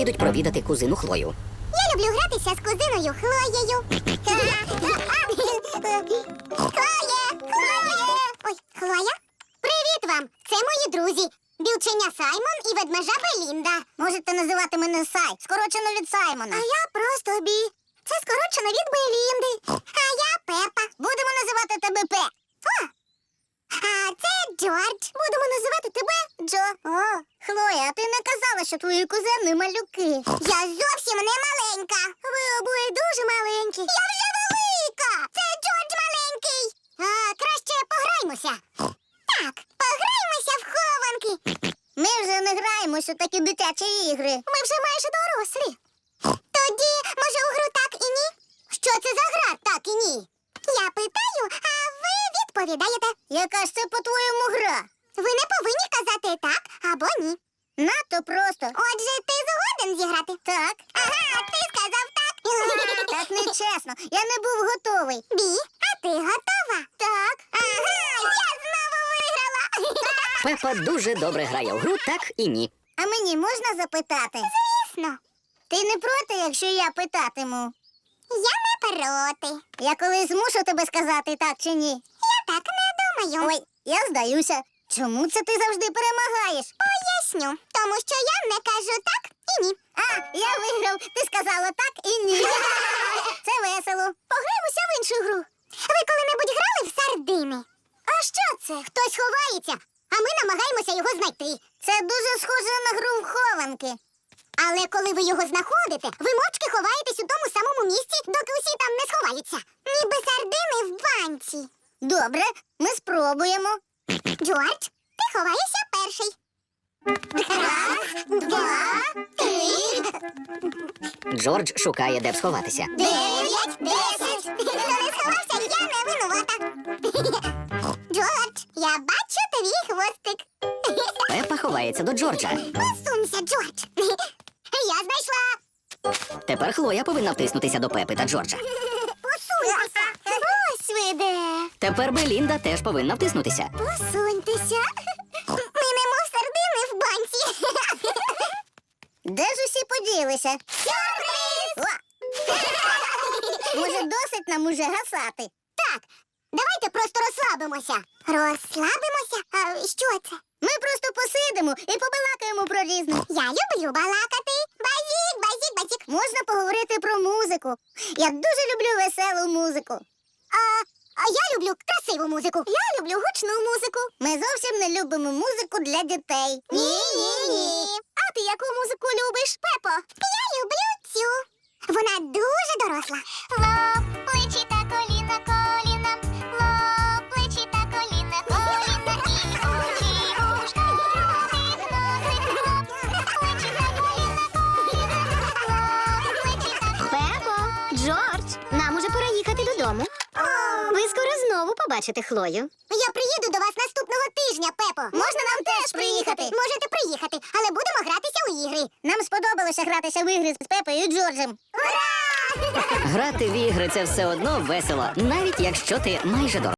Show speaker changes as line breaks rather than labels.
їдуть провідати кузину Хлою.
Я люблю гратися з кузиною Хлоєю. Ой, Хлоя? Привіт вам! Це мої друзі. Білченя Саймон і ведмежа Белінда. Можете називати мене Сай, скорочено від Саймона. А я просто Бі. Це скорочено від Белінди. А я Пепа. Будемо називати тебе Пе. А це Джордж. Будемо називати тебе Джо. О, Хлоя, а ти не казала, що твої кузени малюки. Я зовсім не маленька. Ви обоє дуже маленькі. Я вже велика. Це Джордж маленький. Краще пограймося. Так, пограймося в хованки. Ми вже не граємося у такі дитячі ігри. Ми вже майже дорослі. Тоді, може, у гру так і ні? Що це за гра так і ні? Я питаю, а ви відповідаєте. Яка ж це, по-твоєму, гра? Ви не повинні казати так або ні. Надто просто. Отже, ти згоден зіграти? Так. Ага, ти сказав так. Так нечесно. Я не був готовий. Бі, а ти готова? Так. Ага, я знову виграла.
Пепа дуже добре грає в гру «Так і ні».
А мені можна запитати? Звісно. Ти не проти, якщо я питатиму? Я не проти. Я колись змушу тебе сказати так чи ні? Я так не думаю. Ой, я здаюся. Чому це ти завжди перемагаєш? Поясню. Тому що я не кажу так і ні. А, я виграв. Ти сказала так і ні. Це весело. Пограємося в іншу гру. Ви коли-небудь грали в сардини? А що це? Хтось ховається, а ми намагаємося його знайти. Це дуже схоже на гру в хованки. Але коли ви його знаходите, ви мовчки ховаєтесь у тому самому місці, доки усі там не сховаються. Ніби сардини в банці. Добре, ми спробуємо. Джордж, ти ховаєшся перший. Раз, два, три.
Джордж шукає, де б сховатися.
9, 10. Хто не сховався, я не винувата. Джордж, я бачу твій хвостик.
Пепа ховається до Джорджа.
Посунься, Джордж. Я знайшла.
Тепер Хлоя повинна втиснутися до Пепи та Джорджа.
Посунься. Ось ви де.
Тепер Белінда теж повинна втиснутися.
Посуньтеся. Ми немов сардини в банці. Де ж усі поділися? Сюрприз! Може, досить нам уже гасати? Так, давайте просто розслабимося. Розслабимося? А що це? Ми просто посидимо і побалакаємо про різне. Я люблю балакати. Базік, базік, базік. Можна поговорити про музику. Я дуже люблю веселу музику. А я люблю красиву музику. Я люблю гучну музику. Ми зовсім не любимо музику для дітей. Ні. А ти яку музику любиш, Пепо? Я люблю цю. Вона дуже доросла. Лоб, плечі та коліна, коліна. Лоб, плечі та коліна, коліна. І очі, ушка, ротик, носик, лоб, плечі та коліна, коліна. Лоб, плечі та коліна.
Пепо, Джордж, нам уже пора їхати додому. Ви скоро знову побачите Хлою.
Я приїду до вас наступного тижня, Пепо. Можна нам теж приїхати? Можете приїхати, але будемо гратися у ігри. Нам сподобалося гратися в ігри з Пепою і Джорджем. Ура!
Грати в ігри – це все одно весело, навіть якщо ти майже дорослий.